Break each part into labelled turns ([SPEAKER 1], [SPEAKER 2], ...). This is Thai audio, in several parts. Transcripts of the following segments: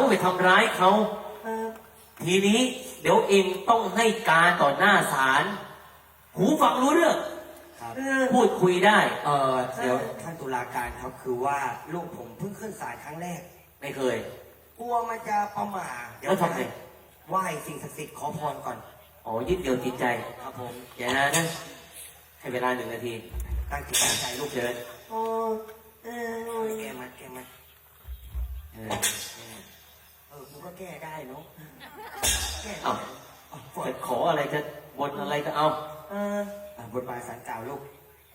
[SPEAKER 1] ไปทำร้ายเขาทีนี้เดี๋ยวเองต้องให้การต่อหน้าศาลหูฟังรู้เรื่องพูดคุยได้
[SPEAKER 2] เดี๋ยวท่านตุลาการครับคือว่าลูกผมเพิ่งขึ้นศาลครั้งแรก
[SPEAKER 1] ไม่เคย
[SPEAKER 2] กลัวมันจะประมาทเดี๋ยว
[SPEAKER 1] ทำไง
[SPEAKER 2] ไหว้สิ่งศักดิ์สิทธิ์ขอพรก่อน
[SPEAKER 1] อ๋อยึดเดียวจิตใจ
[SPEAKER 2] ครับผม
[SPEAKER 1] อย่านะให้เวลา1 นาที
[SPEAKER 2] ตั้งจิตตั้งใจลูก
[SPEAKER 1] เชิญ
[SPEAKER 2] แก้มัดกูก็แก้ได้เนาะแก้
[SPEAKER 1] จะขออะไรจะบนอะไรก็เอา
[SPEAKER 2] บนบานศาลกล่าวลูก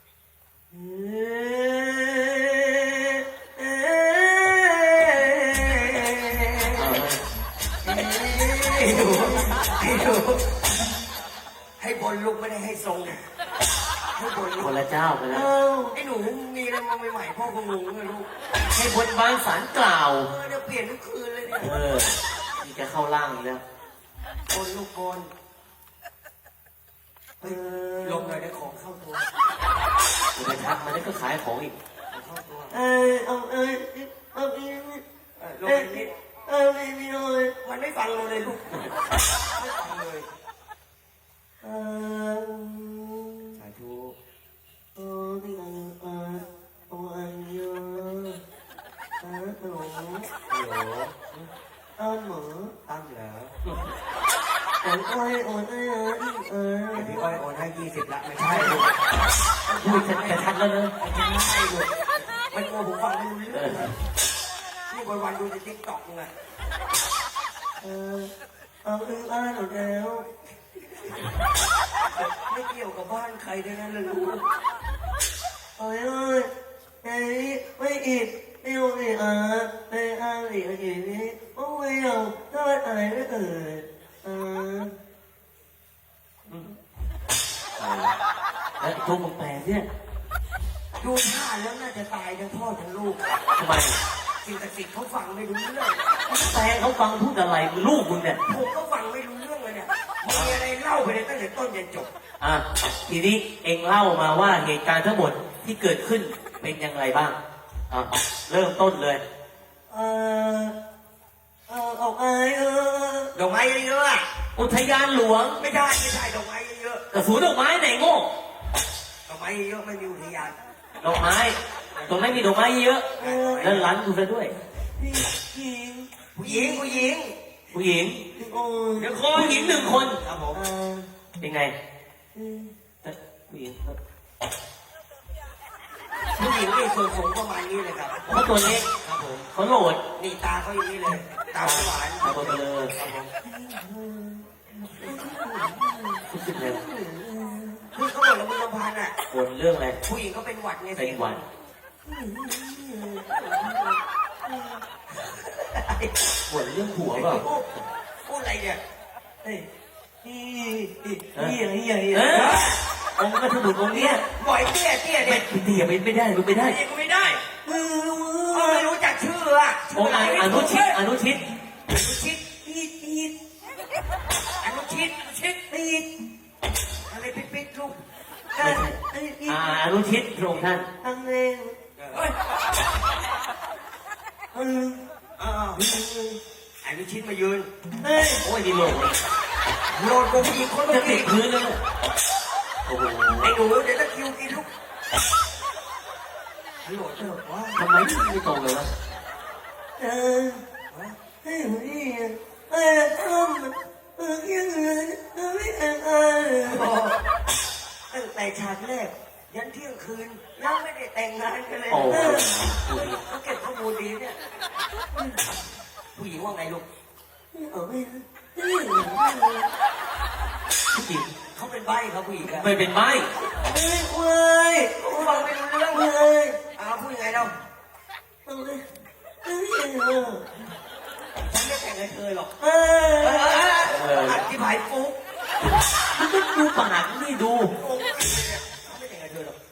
[SPEAKER 2] ให้บนลูกไม่ได้ให้ทรงให้บน
[SPEAKER 1] คนละเจ้าไปแล้ว
[SPEAKER 2] ไอ้หนูมีอะไรมาใหม่ๆพ่อคงงงเลยลูก
[SPEAKER 1] ให้บนบานศาลกล่าว
[SPEAKER 2] เดี๋ยวเปลี่ยนทุกคืนเลยเนี่ย
[SPEAKER 1] นี่จะเข้าล่างอีกแล้ว
[SPEAKER 2] บนลูกบนลงเลยได้ของเข้าตัว
[SPEAKER 1] คุณไปทักมันแล้วก็ขายของอีก
[SPEAKER 2] เข้าตัวลงนิดมันไม่ฟังเราเลยลูกไม่ฟังเลยสาธุตั้มเหรอพี่อ้อยโอนให้20ละไม่ใช่ลูก
[SPEAKER 1] พูดชัดแล้วเนอะ
[SPEAKER 2] ไม่ใช่ลูกมันโง่ผมฟังไม่รู้เรื่องนี่วันดูในติ๊กต็อกไงบ้านหมดแล้วไม่เกี่ยวกับบ้านใครด้วยนะลูกไม่อิดไม่โอเคไม่อะไรอย่างนี้โอ้ยเอาถ้าอะไรไม่
[SPEAKER 1] แล้วตัวมึงแปลเนี่ย
[SPEAKER 2] ดูท่าแล้วน่าจะตายทั้งพ่อทั้งลูก
[SPEAKER 1] ทำไม
[SPEAKER 2] สิ่งศักดิ์สิทธิ์เขาฟังไม่รู้เรื่อง
[SPEAKER 1] แปลเขาฟังพูดอะไรลูกมึงเนี่ย
[SPEAKER 2] ผมก็ฟังไม่รู้เรื่องเลยเนี่ยมีอะไรเล่าไปเลยตั้งแต่ต้นจนจบ
[SPEAKER 1] ทีนี้เองเล่ามาว่าเหตุการณ์ทั้งหมดที่เกิดขึ้นเป็นอย่างไรบ้างเริ่มต้นเลย
[SPEAKER 2] ดอกไม้เยอะ
[SPEAKER 1] อุทยานหลวง
[SPEAKER 2] ไม่ใช่ดอกไม้เยอะ
[SPEAKER 1] กระสุนดอกไม้ไหนโง่
[SPEAKER 2] ดอกไม้เยอะไม่มีอุทยาน
[SPEAKER 1] ดอกไม้ตรงไม่มีดอกไม้เยอะแล้วร้านกูซะด้วย
[SPEAKER 2] ผู้หญิง
[SPEAKER 1] เดี๋ยวผู้หญิง1 คน
[SPEAKER 2] ครับผม
[SPEAKER 1] เป็นไงผู้หญิง
[SPEAKER 2] นี่สูงประมาณนี้เลยครับ
[SPEAKER 1] เขาตัวเล็ก
[SPEAKER 2] ครับผม
[SPEAKER 1] เขาโหลด
[SPEAKER 2] นี่ตาเขาอย่างนี้เลยตาหวาน
[SPEAKER 1] ตาโตเลย
[SPEAKER 2] ครับผมคือเขาบอกแล้วมึงลำพันอ่ะ
[SPEAKER 1] บ่นเรื่องอะไร
[SPEAKER 2] ผู้หญิงก็เป็นหวัดไง
[SPEAKER 1] เป็นหวัดบ่นเรื่องผัวเปล่า
[SPEAKER 2] พูดอะไรเนี่ย
[SPEAKER 1] องค์ก็สมุดองค์เนี้ย
[SPEAKER 2] บ่อยเตี้ย
[SPEAKER 1] เนี่ยเตี้ยไม่ได้รู้ไม่ได้
[SPEAKER 2] ไม่ได้ไม่รู้จักชื่ออ่ะ
[SPEAKER 1] องค์อนุชิต
[SPEAKER 2] อะไรปิดลูก
[SPEAKER 1] อนุชิตพระองค์ท่าน
[SPEAKER 2] อนุชิตมายืน
[SPEAKER 1] โอ้ยนี่โหล
[SPEAKER 2] ดกูอีกคน
[SPEAKER 1] จะติดพื้นแล้ว
[SPEAKER 2] ไอ้หนูเดี๋ยวจะคิวกินลูกโหลดว่า
[SPEAKER 1] ทำไมไม่ตรงเลยวะ
[SPEAKER 2] ตั้งแต่ฉากแรกยันเที่ยงคืนยังไม่ได้แต่งงานกันเลยเขาเก็บข้อมูลดีเนี่ยผู้หญิงว่าไงลูก
[SPEAKER 1] ผู้หญิง
[SPEAKER 2] เขาเป็นใบ้ครับผู้หญิง
[SPEAKER 1] ไม่เป็นใบ้
[SPEAKER 2] ฟังไม่รู้เรื่องเลยพูดยังไงเราฉันไม่แต่งกับเธอหรอกที่ผายฟุ๊ก
[SPEAKER 1] มันก็ดูปากนี่ดู
[SPEAKER 2] ไม่แต่งกับเธอหรอก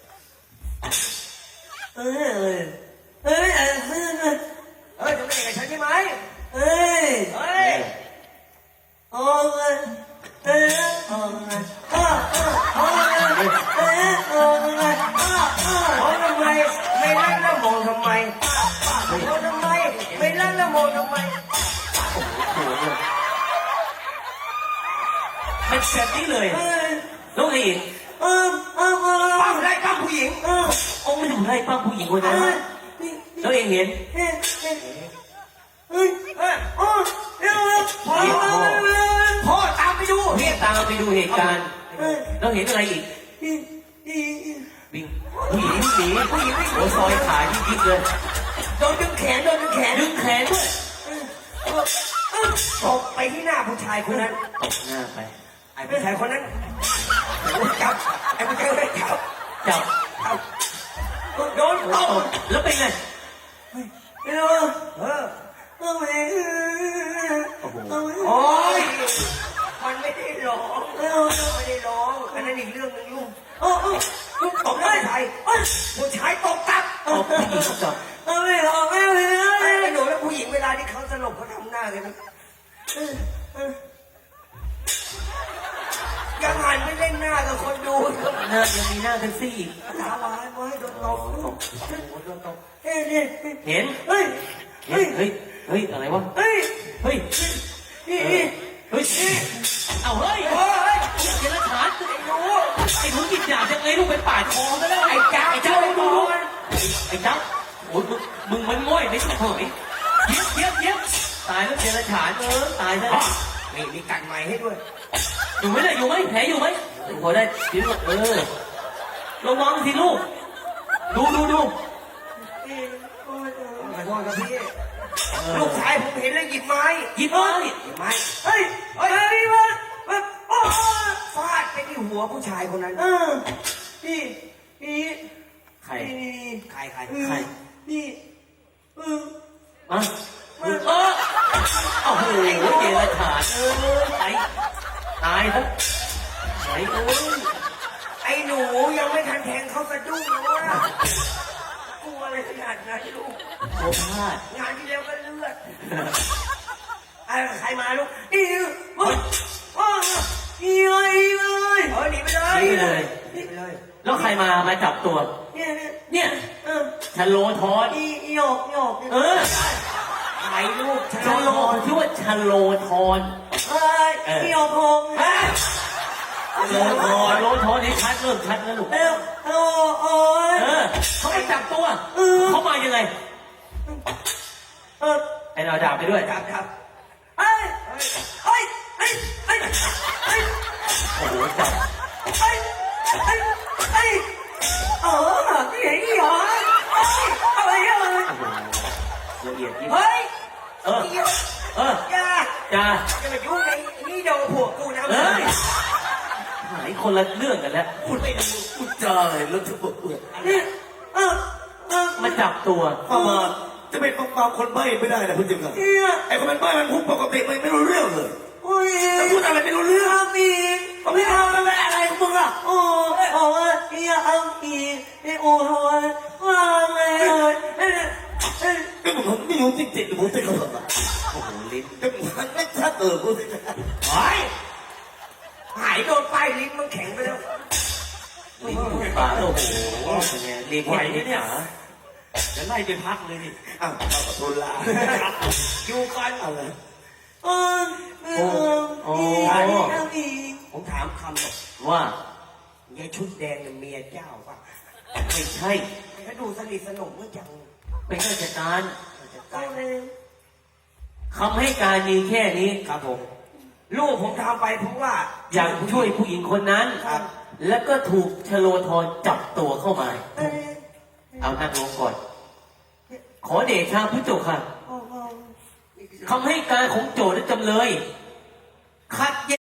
[SPEAKER 2] จะไม่แต่งกับฉันใช่ไหมทำไมไม่รักแล้วมองทำไม
[SPEAKER 1] แบบนี้เลยแล้วไงอีก
[SPEAKER 2] ปั้มไล่ปั้มผู้หญิง
[SPEAKER 1] องค์ไม่ทำไรป้าผู้หญิงคนนั้นแล้วเองเห็น
[SPEAKER 2] พ่อตามไปดู
[SPEAKER 1] เรียกตามไปดูเหตุการณ์แล้วเห็นอะไรอีกวิ่งผู้หญิงหนีผู้หญิงวิ่งหัวซอยขายิกๆเลย
[SPEAKER 2] โดนดึงแขน
[SPEAKER 1] ดึงแขนด้วย
[SPEAKER 2] ตบไปที่หน้าผู้ชายคนนั้น
[SPEAKER 1] ตบหน้าไป
[SPEAKER 2] ไอ้ผู้ชายคนนั้นจับไอ้ผู้ชายคนนั้นจับ
[SPEAKER 1] จับ
[SPEAKER 2] โดนตบ
[SPEAKER 1] แล้วเป็นไง
[SPEAKER 2] โอ้ยมันไม่ได้ร้องไม่ได้ร้องอันนั้นอีกเรื่องหนึงลูกลูกตบได้ไงผู้ชายตบกลับ
[SPEAKER 1] ตบผู้หญิงจับ
[SPEAKER 2] ไอ้หนูและผู้หญิงเวลาที่เขาสลบเขาทำหน้ากันนะยังหันไม่เล่นหน้ากับคนดู
[SPEAKER 1] หน้ายังมีหน้าแท็กซี่อีก
[SPEAKER 2] ตาหวานไว้โดนตบโดนตบ
[SPEAKER 1] เห็น
[SPEAKER 2] เฮ้ย
[SPEAKER 1] เฮ้ยอะไรวะเฮ้ยเฮ้ยเอาเฮ้ยเจรฐานไอ้หนูกินยายังไงลูกเป็นป่าคอซะแล้วไอ้เจ้าไอ้โอ้ยมึงมันง่อยไม่ใช่เหรอเย็บตายแล้วเจรฐานตายแล้ว
[SPEAKER 2] นี่มีกันใหม่ให้ด้วย
[SPEAKER 1] อยู่ไหมเนี่ยอยู่ไหมแผลอยู่ไหมพอได้ชิ้นระวังสิลูกดู
[SPEAKER 2] ขอโทษครับพี่ลูกชายผมเห็นแล้วหยิบไม้
[SPEAKER 1] หยิบไม้
[SPEAKER 2] เฮ้ยฟาดไปที่หัวผู้ชายคนนั้น
[SPEAKER 1] ใคร
[SPEAKER 2] ใคร
[SPEAKER 1] อ่ะโอ้โหเจรฐานตายซะ
[SPEAKER 2] ไอ้หนูยังไม่ทันแทงเขาสะดุ้งเลยกลัวอะไรขนาดนั้นลูก
[SPEAKER 1] โคพลาด
[SPEAKER 2] งานที่แล้วก็เลือดใครมาลูกหนีไปเลย
[SPEAKER 1] แล้วใครมาจับตัว เนี่ยชะโลทอน
[SPEAKER 2] ใครลูก
[SPEAKER 1] ชะโลชื่อว่าชะโลทอนโลทอนนี่ชัดเริ่มชัดแล้วลูกเขาไปจับตัวเขามายังไงไอ้เราด่าไปด้วย
[SPEAKER 2] ครับ
[SPEAKER 1] โอ้โหจับละเอียดยิ่งจ้า
[SPEAKER 2] จะมายุ่งในนี่โดนผัวกูนะ
[SPEAKER 1] หายคนละเรื่องกันแล้ว
[SPEAKER 2] พูดไม่ดู
[SPEAKER 3] พูดจาอะไรแล้วจะบอก
[SPEAKER 1] มาจับตัว
[SPEAKER 3] มาจะเป็นปากคนใบ้ไม่ได้นะคุณจิ๋มครับไอ้คนเป็นใบ้มันพูดปกติไม่รู้เรื่องเลยจะพูดอะไรไม่รู้เรื่องก็ไม่เอาแล้วอะไรของมึงอ่ะก็ผมไม่รู้จริงๆผมจะเขาทำอะไร
[SPEAKER 1] โอ้โหลิ้น
[SPEAKER 3] ก็มันไม่ชัดพูดสิ
[SPEAKER 2] หายโดนป้ายลิ้นมันแข็งไปแล้ว
[SPEAKER 1] ลิ้นปากโอ้โหเป็นไงเรียกไหวเนี่ยจะไล่ไปพักเลยนี่
[SPEAKER 3] อ้าวขอโทษลา
[SPEAKER 2] อยู่กันเอาเลยผมถามคำบอก
[SPEAKER 1] ว่าย
[SPEAKER 2] ายชุดแดงเนี่ยเมียเจ้าป่ะ
[SPEAKER 1] ไม่ใช่
[SPEAKER 2] เขาดูสนิทสนมเมื่อจัง
[SPEAKER 1] เป็นราชการ
[SPEAKER 2] เอาเลย
[SPEAKER 1] คำให้การมีแค่นี้
[SPEAKER 2] ครับผมลูกผมทำไปเพราะว่า
[SPEAKER 1] อยากช่วยผู้หญิงคนนั้น
[SPEAKER 2] ครับ
[SPEAKER 1] แล้วก็ถูกชโลธรจับตัวเข้ามา เอานั่งลงก่อน ขอเดชะพระเจ้าค่ะคำให้การของโจทย์และจำเลยขัดแย้ง